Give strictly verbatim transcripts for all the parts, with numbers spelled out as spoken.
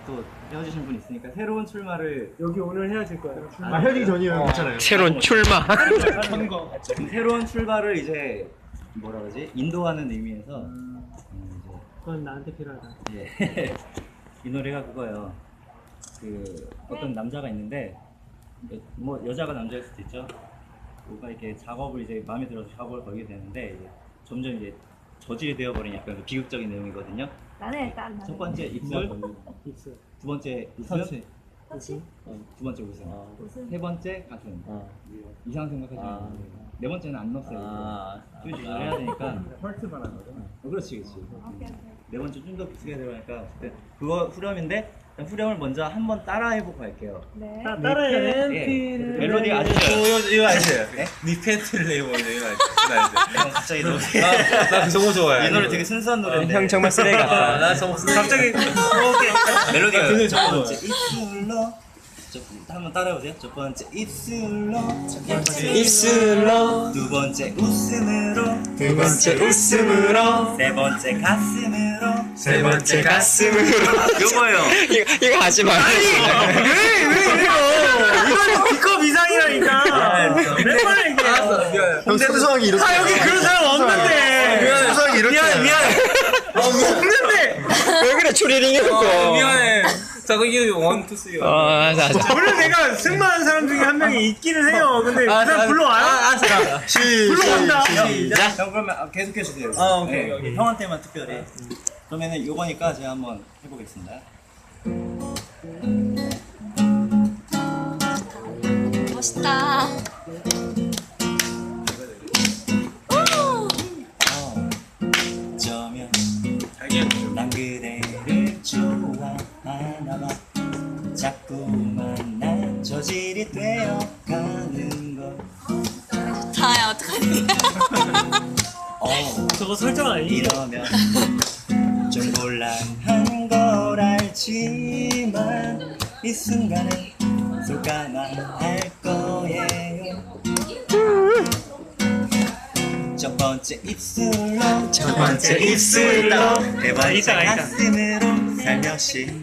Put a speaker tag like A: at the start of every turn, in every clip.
A: 또 헤어지신 분 있으니까 새로운 출마를
B: 여기 오늘 헤어질 거야.
C: 아, 헤어지기 전이에요. 괜찮아요.
D: 새로운 출마.
A: 새로운 출발을 이제 뭐라 그러지? 인도하는 의미에서
B: 음,
A: 음,
B: 그건 나한테 필요하다.
A: 이제 예. 이 노래가 그거예요. 그 어떤 남자가 있는데 뭐 여자가 남자일 수도 있죠. 뭔가 이렇게 작업을 이제 마음에 들어서 작업을 걸게 되는데 이제 점점 이제 저질이 되어버린 약간 그 비극적인 내용이거든요.
E: 나는 일단
A: 첫 번째 입술,
B: 입술.
A: 두 번째 웃음,
E: 터치?
A: 어, 두 번째 웃음,
E: 웃음.
A: 세 번째 가슴.
D: 어.
A: 이상 생각하시면
D: 아.
A: 안 돼요. 네 번째는 안 넣었어요.
D: 아.
A: 좀 조절해야 되니까.
C: 헐트만 한 거죠?
A: 어, 그렇지, 그렇지.
E: 오케이, 오케이.
A: 네 번째 좀 더 비슷하게 들어가니까 그때 그거 후렴인데 일단 후렴을 먼저 한번 따라해보고 갈게요.
E: 네.
B: 나 따라해.
A: 예.
B: 팬티를
A: 멜로디가 아주
F: 이거
A: 좋아요.
F: 이거 아시죠?
A: 네?
F: 니 팬티를 내보내 이거 아시죠?
A: 형 갑자기 노래
F: 나그 정보 좋아해.
A: 이 노래 되게 순수한 노래인데
D: 형 정말 쓰레기 같다.
F: 나 정보
A: 갑자기 멜로디가
F: 그
A: 첫 번째 입술로 첫 한번 따라해보세요. 첫 번째 입술로
D: 입술로
A: 두 번째 웃음으로
D: 두 번째 웃음으로
A: 세 번째 가슴으로
D: 세 번째 가슴으로.
A: 요거예요.
D: 이거 이거 하지 마.
B: 이거는 B컵 이상이라니까. 맨날 이게.
C: 형 순수하게 이렇게.
B: 아 여기 그런 사람 없는데.
C: 순수하게 이렇게.
F: 미안해 미안해.
B: 없는데.
D: 왜 그래 추리링
F: 어,
D: 해놓고.
F: 미안해. 자 그럼 이게 원, 투, 쓰리.
D: 어, 알았어, 알았어.
B: 원래 내가 승마하는 사람 중에 한 명이 있기는 해요. 근데 그 사람 불러와요?
F: 아, 아,
B: 불러온다.
A: 자, 형 그러면 아, 계속해 주세요.
F: 아, 오케이,
A: 네,
F: 오케이.
A: 형한테만 특별히. 그러면은 요거니까 제가 한번 해보겠습니다.
E: 멋있다. 오!
A: 어쩌면 난 그대를 좋아하나 봐. 자꾸만 난 저질이 되어가는 걸.
E: 좋다. 야, 어떡하니?
A: 어,
B: 저거 설정 아니?
A: 이러면 좀 곤란한 걸 알지만 이 순간에 솔까만 할 거예요. 첫 번째 입술로
D: 첫 번째 입술로
A: 네 번째
B: 있다, 있다.
A: 가슴으로 살며시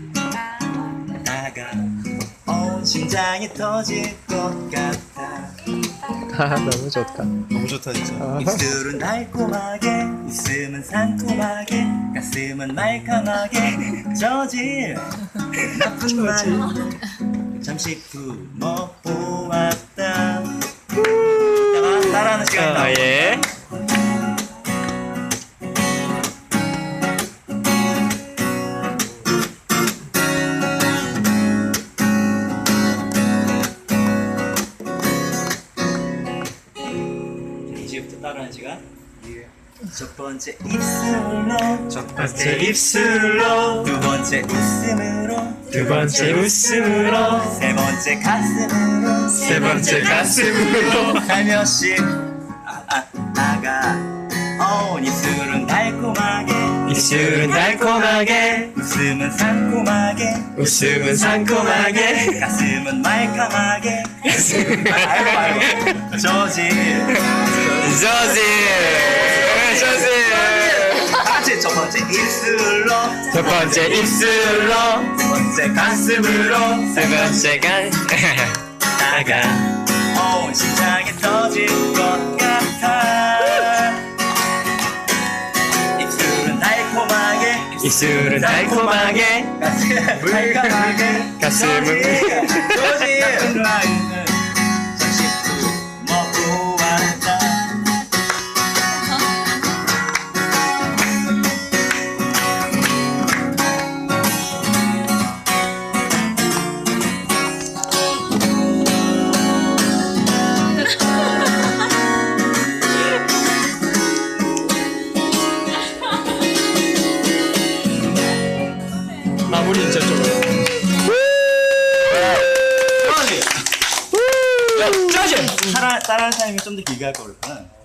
A: 다가온 심장이 터질 것 같아.
D: 아 너무 좋다.
C: 너무 좋다 진짜.
A: 입술은 달콤하게 웃음은 상큼하게 가슴은 말캉하게 저질 나쁜 말 잠시 품어보았다. 이따가 따라하는 시간이
D: 아
A: 나오고
D: 예.
A: 이제부터 따라하는 시간. 첫 번째 입술로
D: 첫 번째 입술로
A: 두 번째 웃음으로
D: 두 번째 웃음으로
A: 세 번째 가슴으로
D: 세 번째 가슴으로
A: 살며시 아, 아, 다가온 입술은 달콤하게
D: 입술은 달콤하게
A: 웃음은 상콤하게
D: 웃음은 상콤하게
A: 가슴은 말캉하게 알고 알고 저질
D: 저지 저지
A: 같이 첫 번째 입술로
D: 첫 번째 입술로
A: 두 번째 가슴으로
D: 세 번째 간
A: 다가온 심장이 터질 것 같아. 입술은 달콤하게
D: 입술은 달콤하게
A: 가슴은 말캉하게
D: 가슴은
A: 저질 라인은 잠시 품어보았다.
D: 마무리 진짜 좀
A: 따라 따라하는 타이밍 좀 더 길게 할 걸 그랬구나.